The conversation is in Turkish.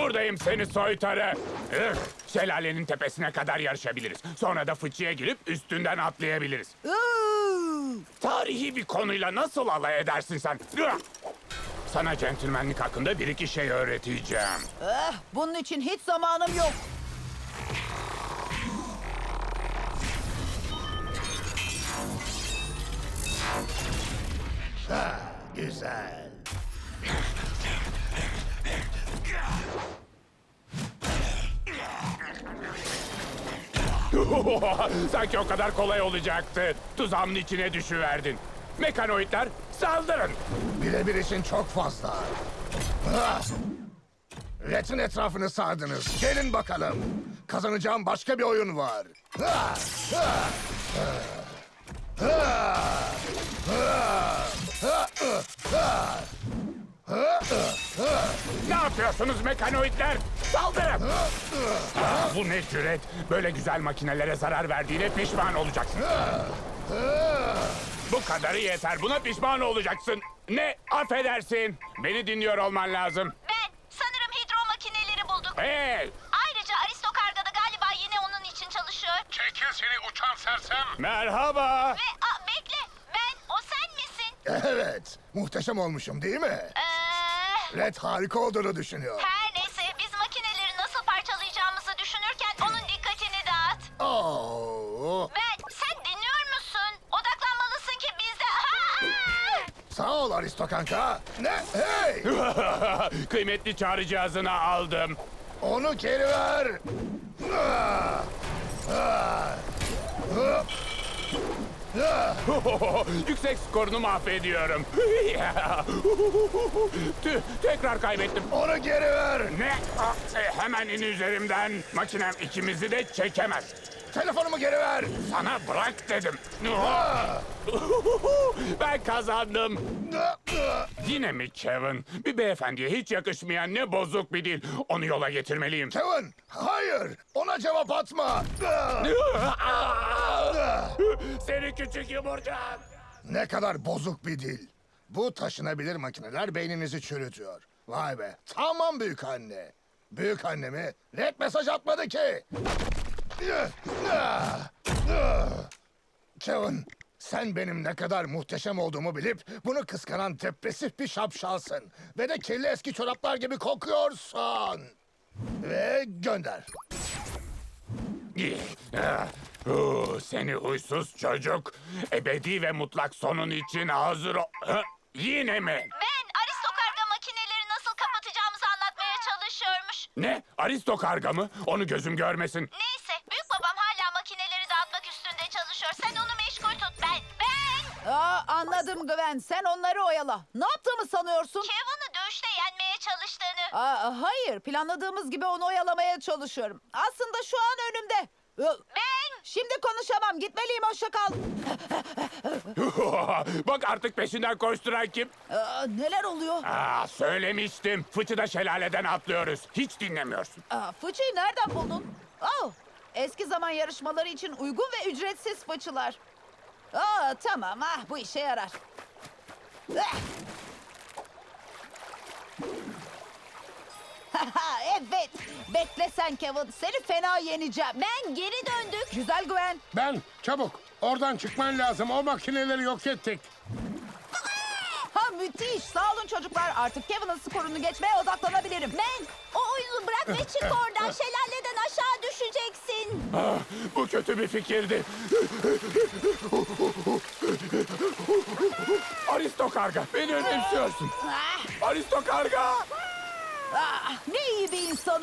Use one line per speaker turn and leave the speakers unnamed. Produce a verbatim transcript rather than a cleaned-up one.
Buradayım seni soytarı. Üf, şelalenin tepesine kadar yarışabiliriz. Sonra da fıçıya girip üstünden atlayabiliriz.
Iıı!
Tarihi bir konuyla nasıl alay edersin sen? Üah! Sana centilmenlik hakkında bir iki şey öğreteceğim.
Eh, bunun için hiç zamanım yok.
Güzel.
Sanki o kadar kolay olacaktı. Tuzağımın içine düşüverdin. Mekanoidler saldırın.
Birebir için çok fazla. Ah! Red'in etrafını sardınız. Gelin bakalım. Kazanacağım başka bir oyun var. Ah! Ah! Ah! Ah! Ah! Ah! Ah!
Ne yapıyorsunuz mekanoidler? Saldırın. Ah, bu ne cüret? Böyle güzel makinelere zarar verdiğine pişman olacaksın. Bu kadarı yeter. Buna pişman olacaksın. Ne? Affedersin. Beni dinliyor olman lazım.
Ben sanırım hidro makineleri bulduk.
Hey!
Ayrıca Aristokarga da galiba yine onun için çalışıyor.
Çekil seni uçan sersem. Merhaba.
Ve a, bekle, ben o sen misin?
Evet. Muhteşem olmuşum değil mi?
Ee,
Red harika olduğunu düşünüyor.
her neyse biz makineleri nasıl parçalayacağımızı düşünürken onun dikkatini dağıt.
Oo.
Ben sen dinliyor musun? Odaklanmalısın ki biz de... Aa!
Sağ ol Aristokanka. Ne? Hey!
Kıymetli çağrı cihazını aldım.
Onu geri ver. Ah! Ah! Ah! Ah!
Yüksek skorunu mahvediyorum. Tüh, tekrar kaybettim.
Onu geri ver.
Ne? Ah, e, hemen in üzerimden. Makinem ikimizi de çekemez.
Telefonumu geri ver.
Sana bırak dedim.
Ah!
Ben kazandım.
Ah! Ah!
Yine mi Kevin? Bir beyefendiye hiç yakışmayan ne bozuk bir dil. Onu yola getirmeliyim.
Kevin, hayır. Ona cevap atma. Ah! Ah!
Seni küçük yumurcak.
Ne kadar bozuk bir dil. Bu taşınabilir makineler beyninizi çürütüyor. Vay be. Tamam büyük anne. Büyük annemi red mesaj atmadı ki. Kevin, sen benim ne kadar muhteşem olduğumu bilip bunu kıskanan depresif bir şapşalsın. Ve de kirli eski çoraplar gibi kokuyorsun. Ve gönder.
Ah, uh, Seni huysuz çocuk. Ebedi ve mutlak sonun için hazır ol... Ha, yine mi?
Ben Aristokarga makineleri nasıl kapatacağımızı anlatmaya çalışıyormuş.
Ne? Aristo karga mı? Onu gözüm görmesin.
Neyse, büyük babam hala makineleri dağıtmak üstünde çalışıyor. Sen onu meşgul tut. Ben, ben...
Aa, anladım Gwen. Sen onları oyala. Ne yaptığımı sanıyorsun?
Kevin'i dövüşte yenmeye çalıştığını.
Aa, hayır. Planladığımız gibi onu oyalamaya çalışıyorum. Aslında şu an önümde. Ö,
Ben...
Şimdi konuşamam. Gitmeliyim. Hoşça kal.
Bak artık peşinden koşturan kim?
Aa, neler oluyor?
Aa, söylemiştim. Fıçıda şelaleden atlıyoruz. Hiç dinlemiyorsun.
Aa, fıçıyı nereden buldun? Oh, eski zaman yarışmaları için uygun ve ücretsiz fıçılar. Aa, tamam. Ah, bu işe yarar. Ah! Evet. Bekle sen Kevin. Seni fena yeneceğim.
Ben geri döndük.
Güzel Gwen.
Ben, çabuk. Oradan çıkman lazım. O makineleri yok ettik.
Ha, müthiş. Sağ olun çocuklar. Artık Kevin'in skorunu geçmeye odaklanabilirim.
Ben o oyunu bırak ve çık oradan. Şelaleden aşağı düşeceksin.
Ah, bu kötü bir fikirdi. Aristo karga, beni önemsiyorsun.
Ah,
Aristo karga.
ah, ne iyi bir insan